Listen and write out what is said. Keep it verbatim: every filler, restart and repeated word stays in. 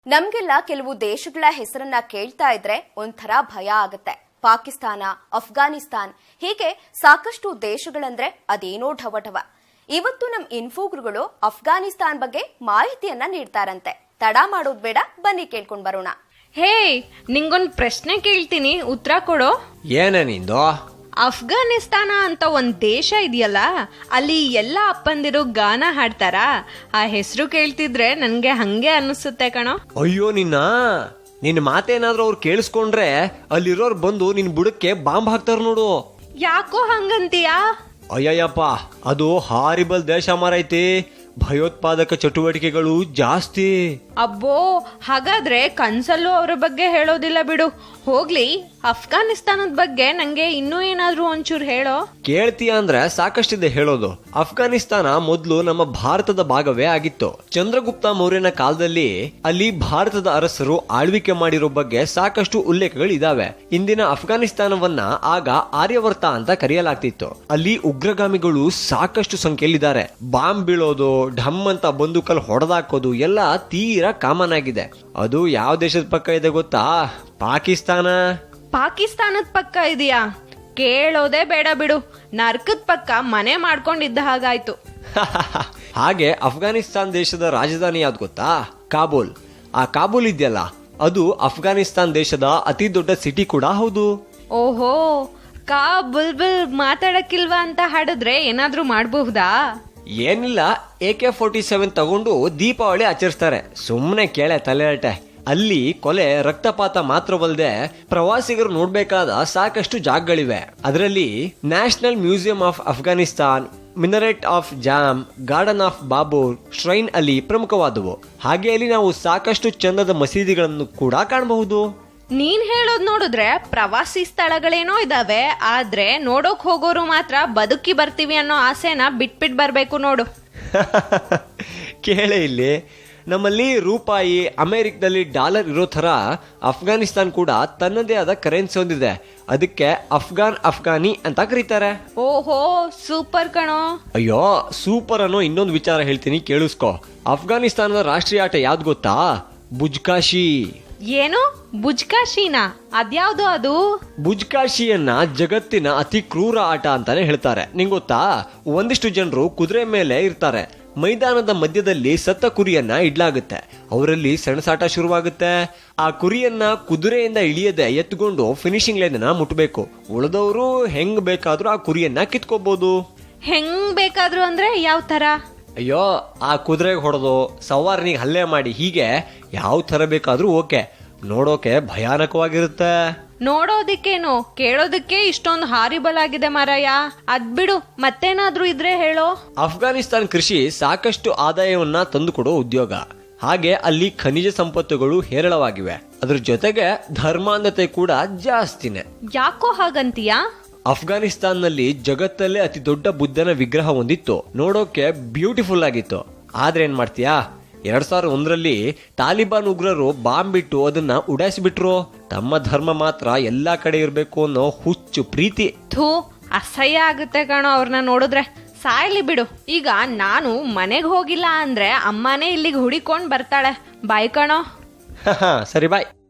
ನಮ್ಗೆಲ್ಲ ಕೆಲವು ದೇಶಗಳ ಹೆಸರನ್ನ ಕೇಳ್ತಾ ಇದ್ರೆ ಒಂಥರ ಭಯ ಆಗುತ್ತೆ. ಪಾಕಿಸ್ತಾನ, ಅಫ್ಘಾನಿಸ್ತಾನ್ ಹೀಗೆ ಸಾಕಷ್ಟು ದೇಶಗಳಂದ್ರೆ ಅದೇನೋ ಢವಢವ. ಇವತ್ತು ನಮ್ ಇನ್ಫೋಗ್ರುಗಳು ಅಫ್ಘಾನಿಸ್ತಾನ್ ಬಗ್ಗೆ ಮಾಹಿತಿಯನ್ನ ನೀಡ್ತಾರಂತೆ. ತಡ ಮಾಡೋದ್ ಬೇಡ, ಬನ್ನಿ ಕೇಳ್ಕೊಂಡ್ ಬರೋಣ. ಹೇ, ನಿಂಗೊಂದ್ ಪ್ರಶ್ನೆ ಕೇಳ್ತೀನಿ, ಉತ್ತರ ಕೊಡೋ. ಏನ ನಿಂದು? ಅಫ್ಘಾನಿಸ್ತಾನ ಅಂತ ಒಂದ್ ದೇಶ ಇದೆಯಲ್ಲ, ಅಲ್ಲಿ ಎಲ್ಲ ಅಪ್ಪಂದಿರು ಗಾನ ಹಾಡ್ತಾರ. ಆ ಹೆಸರು ಕೇಳ್ತಿದ್ರೆ ನನ್ಗೆ ಹಂಗೆ ಅನಿಸುತ್ತೆ ಕಣೋ. ಅಯ್ಯೋ ನಿನ್ನ ನಿನ್ ಮಾತೇನಾದ್ರೂ ಅವ್ರು ಕೇಳಿಸ್ಕೊಂಡ್ರೆ ಅಲ್ಲಿರೋರ್ ಬಂದು ನಿನ್ ಬುಡಕ್ಕೆ ಬಾಂಬ್ ಹಾಕ್ತಾರ ನೋಡು. ಯಾಕೋ ಹಂಗಂತೀಯಾ? ಅಯ್ಯಯ್ಯಪ್ಪ, ಅದು ಹಾರಿಬಲ್ ದೇಶ ಮಾರೈತಿ. ಭಯೋತ್ಪಾದಕ ಚಟುವಟಿಕೆಗಳು ಜಾಸ್ತಿ. ಅಬ್ಬೋ, ಹಾಗಾದ್ರೆ ಕನ್ಸಲ್ಲೂ ಅವ್ರ ಬಗ್ಗೆ ಹೇಳೋದಿಲ್ಲ ಬಿಡು. ಹೋಗ್ಲಿ, ಅಫ್ಘಾನಿಸ್ತಾನದ ಬಗ್ಗೆ ನಂಗೆ ಇನ್ನೂ ಏನಾದ್ರೂ ಒಂಚೂರು ಹೇಳೋ. ಕೇಳ್ತೀಯ ಅಂದ್ರೆ ಸಾಕಷ್ಟಿದೆ ಹೇಳೋದು. ಅಫ್ಘಾನಿಸ್ತಾನ ಮೊದಲು ನಮ್ಮ ಭಾರತದ ಭಾಗವೇ ಆಗಿತ್ತು. ಚಂದ್ರಗುಪ್ತ ಮೌರ್ಯನ ಕಾಲದಲ್ಲಿ ಅಲ್ಲಿ ಭಾರತದ ಅರಸರು ಆಳ್ವಿಕೆ ಮಾಡಿರೋ ಬಗ್ಗೆ ಸಾಕಷ್ಟು ಉಲ್ಲೇಖಗಳಿದಾವೆ. ಇಂದಿನ ಅಫ್ಘಾನಿಸ್ತಾನವನ್ನ ಆಗ ಆರ್ಯವರ್ತ ಅಂತ ಕರೆಯಲಾಗ್ತಿತ್ತು. ಅಲ್ಲಿ ಉಗ್ರಗಾಮಿಗಳು ಸಾಕಷ್ಟು ಸಂಖ್ಯೆಯಲ್ಲಿದ್ದಾರೆ. ಬಾಂಬ್ ಬೀಳೋದು, ಢಮ್ ಅಂತ ಬಂದೂಕಲ್ಲಿ ಹೊಡೆದಾಕೋದು ಎಲ್ಲ ತೀರಾ ಕಾಮನ್ ಆಗಿದೆ. ಅದು ಯಾವ ದೇಶದ ಪಕ್ಕ ಇದೆ ಗೊತ್ತಾ? ಪಾಕಿಸ್ತಾನ. ಪಾಕಿಸ್ತಾನದ ಪಕ್ಕ ಇದೆಯಾ? ಕೇಳೋದೇ ಬೇಡ ಬಿಡು, ನರ್ಕದ ಪಕ್ಕ ಮನೆ ಮಾಡ್ಕೊಂಡಿದ್ದ ಹಾಗಾಯ್ತು. ಹಾಗೆ ಅಫ್ಘಾನಿಸ್ತಾನ್ ದೇಶದ ರಾಜಧಾನಿ ಯಾವ್ದು ಗೊತ್ತಾ? ಕಾಬೂಲ್. ಆ ಕಾಬೂಲ್ ಇದೆಯಲ್ಲ, ಅದು ಅಫ್ಘಾನಿಸ್ತಾನ್ ದೇಶದ ಅತಿ ದೊಡ್ಡ ಸಿಟಿ ಕೂಡ ಹೌದು. ಓಹೋ, ಕಾ ಬುಲ್ ಬುಲ್ ಮಾತಾಡಕ್ಕಿಲ್ವಾ ಅಂತ ಹಾಡಿದ್ರೆ ಏನಾದ್ರೂ ಮಾಡಬಹುದಾ? ಏನಿಲ್ಲ, ಎ ಕೆ ಫೋರ್ಟಿ ಸೆವೆನ್ ತಗೊಂಡು ದೀಪಾವಳಿ ಆಚರಿಸ್ತಾರೆ. ಸುಮ್ಮನೆ ಕೇಳೆ ತಲೆಹರಟೆ. ಅಲ್ಲಿ ಕೊಲೆ, ರಕ್ತಪಾತ ಮಾತ್ರವಲ್ಲದೆ ಪ್ರವಾಸಿಗರು ನೋಡ್ಬೇಕಾದ ಸಾಕಷ್ಟು ಜಾಗಗಳಿವೆ. ಅದರಲ್ಲಿ national museum of Afghanistan, minaret of Jam, garden of Babur, shrine ಅಲ್ಲಿ ಪ್ರಮುಖವಾದವು. ಹಾಗೆ ಅಲ್ಲಿ ನಾವು ಸಾಕಷ್ಟು ಚಂದದ ಮಸೀದಿಗಳನ್ನು ಕೂಡ ಕಾಣಬಹುದು. ನೀನ್ ಹೇಳೋದ್ ನೋಡಿದ್ರೆ ಪ್ರವಾಸಿ ಸ್ಥಳಗಳೇನೋ ಇದಾವೆ, ಆದ್ರೆ ನೋಡೋಕ್ ಹೋಗೋರು ಮಾತ್ರ ಬದುಕಿ ಬರ್ತೀವಿ ಅನ್ನೋ ಆಸೆನ ಬಿಟ್ಬಿಟ್ ಬರ್ಬೇಕು ನೋಡು. ಕೇಳೆ, ಇಲ್ಲಿ ನಮ್ಮಲ್ಲಿ ರೂಪಾಯಿ, ಅಮೆರಿಕದಲ್ಲಿ ಡಾಲರ್ ಇರೋ ತರ ಅಫ್ಘಾನಿಸ್ತಾನ್ ಕೂಡ ತನ್ನದೇ ಆದ ಕರೆನ್ಸಿ ಹೊಂದಿದೆ. ಅದಕ್ಕೆ ಅಫ್ಘಾನ್ ಅಫ್ಘಾನಿ ಅಂತ ಕರೀತಾರೆ. ಓಹೋ, ಸೂಪರ್ ಕಣೋ. ಅಯ್ಯೋ, ಸೂಪರ್ ಅನ್ನೋ ಇನ್ನೊಂದು ವಿಚಾರ ಹೇಳ್ತೀನಿ, ಕೇಳಿಸ್ಕೊ. ಅಫ್ಘಾನಿಸ್ತಾನದ ರಾಷ್ಟ್ರೀಯ ಆಟ ಯಾವ್ದು ಗೊತ್ತಾ? ಬುಜ್ಕಾಶಿ. ಏನು ಬುಜ್ಕಾಶಿನಾ? ಅದ್ಯಾವ್ದು ಅದು? ಬುಜ್ಕಾಶಿಯನ್ನ ಜಗತ್ತಿನ ಅತಿ ಕ್ರೂರ ಆಟ ಅಂತಾನೆ ಹೇಳ್ತಾರೆ. ನಿಂಗ್ ಗೊತ್ತಾ? ಒಂದಿಷ್ಟು ಜನರು ಕುದುರೆ ಮೇಲೆ ಇರ್ತಾರೆ. ಮೈದಾನದ ಮಧ್ಯದಲ್ಲಿ ಸತ್ತ ಕುರಿಯನ್ನ ಇಡ್ಲಾಗುತ್ತೆ. ಅವರಲ್ಲಿ ಸೆಣಸಾಟ ಶುರುವಾಗುತ್ತೆ. ಆ ಕುರಿಯನ್ನ ಕುದುರೆಯಿಂದ ಇಳಿಯದೆ ಎತ್ಕೊಂಡು ಫಿನಿಶಿಂಗ್ ಲೈನ್ ಮುಟ್ಟಬೇಕು. ಉಳಿದವರು ಹೆಂಗ್ ಬೇಕಾದ್ರೂ ಆ ಕುರಿಯನ್ನ ಕಿತ್ಕೋಬಹುದು. ಹೆಂಗ್ ಬೇಕಾದ್ರೂ ಅಂದ್ರೆ ಯಾವ ತರ? ಅಯ್ಯೋ, ಆ ಕುದುರೆಗೆ ಹೊಡೆದು ಸವಾರನಿಗೆ ಹಲ್ಲೆ ಮಾಡಿ, ಹೀಗೆ ಯಾವ ತರ ಬೇಕಾದ್ರೂ ಓಕೆ. ನೋಡೋಕೆ ಭಯಾನಕವಾಗಿರುತ್ತೆ. ನೋಡೋದಿಕ್ಕೇನು, ಕೇಳೋದಕ್ಕೆ ಇಷ್ಟೊಂದು ಹಾರಿಬಲ್ ಆಗಿದೆ ಮಾರಾಯ. ಅದ್ಬಿಡು, ಮತ್ತೇನಾದ್ರೂ ಇದ್ರೆ ಹೇಳೋ. ಅಫ್ಘಾನಿಸ್ತಾನ್ ಕೃಷಿ ಸಾಕಷ್ಟು ಆದಾಯವನ್ನ ತಂದುಕೊಡೋ ಉದ್ಯೋಗ. ಹಾಗೆ ಅಲ್ಲಿ ಖನಿಜ ಸಂಪತ್ತುಗಳು ಹೇರಳವಾಗಿವೆ. ಅದ್ರ ಜೊತೆಗೆ ಧರ್ಮಾಂಧತೆ ಕೂಡ ಜಾಸ್ತಿನೇ. ಯಾಕೋ ಹಾಗಂತೀಯಾ? ಅಫ್ಘಾನಿಸ್ತಾನ್ನಲ್ಲಿ ಜಗತ್ತಲ್ಲೇ ಅತಿ ದೊಡ್ಡ ಬುದ್ಧನ ವಿಗ್ರಹ ಹೊಂದಿತ್ತು. ನೋಡೋಕೆ ಬ್ಯೂಟಿಫುಲ್ ಆಗಿತ್ತು. ಆದ್ರೆ ಏನ್ ಮಾಡ್ತೀಯಾ, ಎರಡ್ ಸಾವಿರದ ಒಂದರಲ್ಲಿ ತಾಲಿಬಾನ್ ಉಗ್ರರು ಬಾಂಬ್ ಬಿಟ್ಟು ಅದನ್ನ ಉಡಾಯಿಸಿಬಿಟ್ರು. ತಮ್ಮ ಧರ್ಮ ಮಾತ್ರ ಎಲ್ಲಾ ಕಡೆ ಇರ್ಬೇಕು ಅನ್ನೋ ಹುಚ್ಚು ಪ್ರೀತಿ. ಥೂ, ಅಸಹ್ಯ ಆಗುತ್ತೆ ಕಣೋ ಅವ್ರನ್ನ ನೋಡಿದ್ರೆ. ಸಾಯ್ಲಿ ಬಿಡು. ಈಗ ನಾನು ಮನೆಗ್ ಹೋಗಿಲ್ಲ ಅಂದ್ರೆ ಅಮ್ಮನೇ ಇಲ್ಲಿಗೆ ಹುಡಿಕೊಂಡ್ ಬರ್ತಾಳೆ. ಬಾಯ್ ಕಣೋ. ಸರಿ, ಬಾಯ್.